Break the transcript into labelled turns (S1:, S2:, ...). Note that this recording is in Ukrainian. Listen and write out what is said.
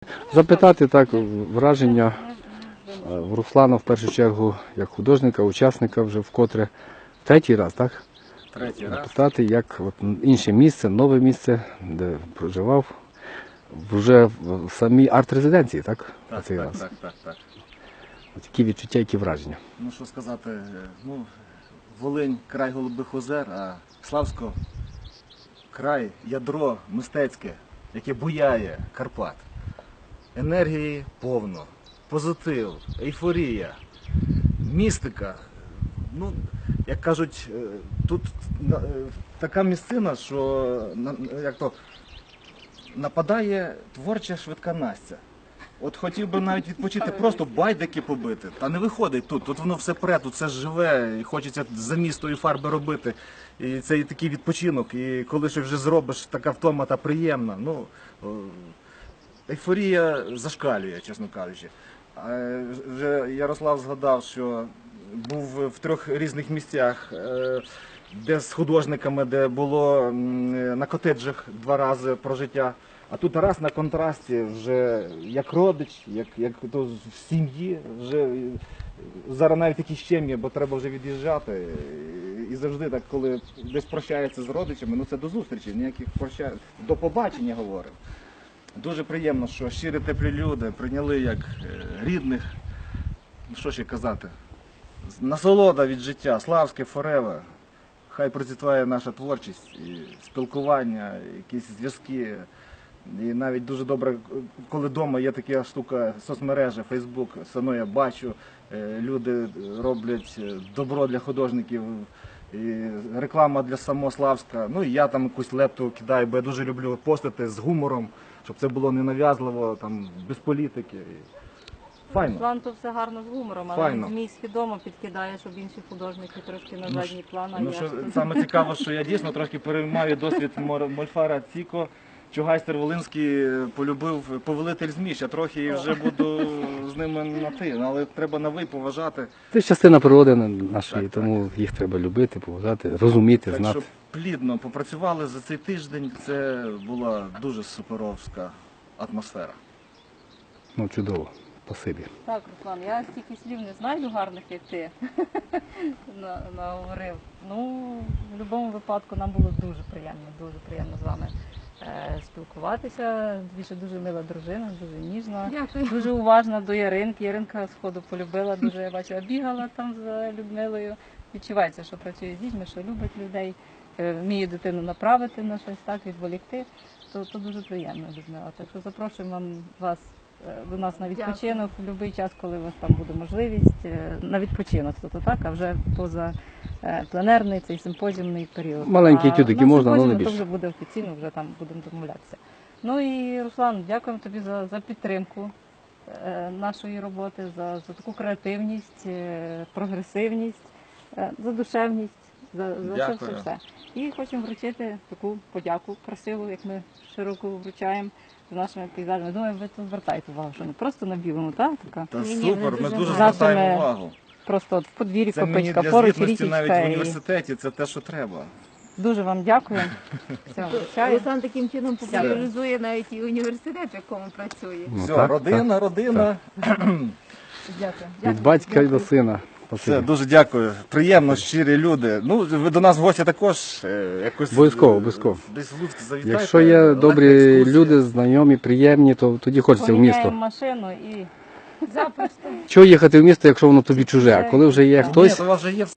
S1: Запитати так враження в Руслана в першу чергу як художника, учасника вже вкотре третій раз, так?
S2: Третій раз.
S1: Запитати, як от інше місце, нове місце, де проживав, вже в самій арт-резиденції, так?
S2: Так,
S1: Цей
S2: так,
S1: раз.
S2: так.
S1: От які відчуття, які враження?
S2: Ну що сказати, Волинь край голубих озер, а Славсько край, ядро мистецьке, яке буяє Карпат. Енергії повно, позитив, ейфорія, містика. Ну, як кажуть, тут така місцина, що нападає творча швидка Настя. От хотів би навіть відпочити, просто байдики побити. Та не виходить тут. Тут воно все пре, тут все живе, і хочеться замістої фарби робити. І це і такий відпочинок. І коли щось вже зробиш, така втома та приємна. Ну, ейфорія зашкалює, чесно кажучи. Вже Ярослав згадав, що був в 3 різних місцях, де з художниками, де було на котеджах 2 рази про життя. А тут раз на контрасті, вже як родич, як то в сім'ї, вже зараз навіть такі щем'я, бо треба вже від'їжджати. І завжди так, коли десь прощається з родичами, ну це до зустрічі, ніяких прощань, до побачення говоримо. Дуже приємно, що щирі теплі люди прийняли як рідних. Ну що ще казати, насолода від життя, Славське forever. Хай процвітає наша творчість, і спілкування, якісь зв'язки. І навіть дуже добре, коли вдома є така штука, соцмережа, Фейсбук, все одно я бачу, люди роблять добро для художників, і реклама для самого Славська. Ну і я там якусь лепту кидаю, бо я дуже люблю постити з гумором, щоб це було ненав'язливо, там, без політики. Файно.
S3: План то все гарно з гумором, але
S2: Файно.
S3: змій свідомо підкидає, щоб інші художники трошки на задній план. А
S2: Ну,
S3: я
S2: що,
S3: ж тут.
S2: саме цікаво, що я дійсно трошки переймаю досвід Мольфара Ціко. Чугайстер Волинський полюбив повелитель змій, я трохи вже буду з ними на ти, але треба на ви поважати.
S1: Це ж частина природи нашої,
S2: Так,
S1: тому їх треба любити, поважати, розуміти,
S2: Так
S1: знати.
S2: що плідно попрацювали за цей тиждень, це була дуже суперовська атмосфера.
S1: Ну, чудово. Спасибі.
S3: Так, Руслан, я стільки слів не знайду гарних, як ти наговорив. Ну, в будь-якому випадку нам було дуже приємно з вами спілкуватися. Дуже мила дружина, дуже ніжна,
S4: Дякую.
S3: дуже уважна до Яринки. Яринка сходу полюбила, дуже я бачила, бігала там за Людмилою. Відчувається, що працює з дітьми, що любить людей, вміє дитину направити на щось, так, відволікти. То дуже приємно, Людмила. Так що запрошуємо вас до нас на відпочинок в будь-який час, коли у вас там буде можливість, на відпочинок, так, а вже поза пленерний, цей симпозіумний період.
S1: Маленькі етюдики можна, але не
S3: то
S1: більше.
S3: вже буде офіційно, вже там будемо домовлятися. Ну і, Руслан, дякуємо тобі за підтримку нашої роботи, за таку креативність, прогресивність, за душевність, за все. І хочемо вручити таку подяку красиву, як ми широко вручаємо з нашими пейзажами. Думаю, ви тут звертаєте увагу, що не просто на білому, так? Така.
S2: Та
S4: Ні,
S2: супер, ми дуже
S3: Нашими-
S2: звертаємо увагу.
S3: Просто от в подвір'ї
S2: Це мені
S3: копичка,
S2: для
S3: поруч
S2: звітності навіть
S3: річечка.
S2: в
S3: І
S2: університеті, це те, що треба.
S3: дуже вам дякую. Все, вручаю.
S4: Руслан таким чином популяризує навіть і університет, в якому працює.
S1: Ну,
S2: Все,
S1: так,
S2: родина.
S3: Дякую.
S1: Від батька і до сина.
S2: Все,
S1: Спасибі.
S2: дуже дякую. Приємно, щирі люди. Ну, ви до нас в гості також якось
S1: Обов'язково.
S2: десь в Луцьк завітайте.
S1: Якщо є
S2: легка
S1: добрі
S2: екскурсія.
S1: люди, знайомі, приємні, то тоді хочеться в
S3: Поміняємо
S1: місто.
S3: машину і
S4: Запросто.
S1: Чого їхати в місто, якщо воно тобі чуже? А коли вже є
S2: Ні,
S1: хтось,
S2: то у вас вже є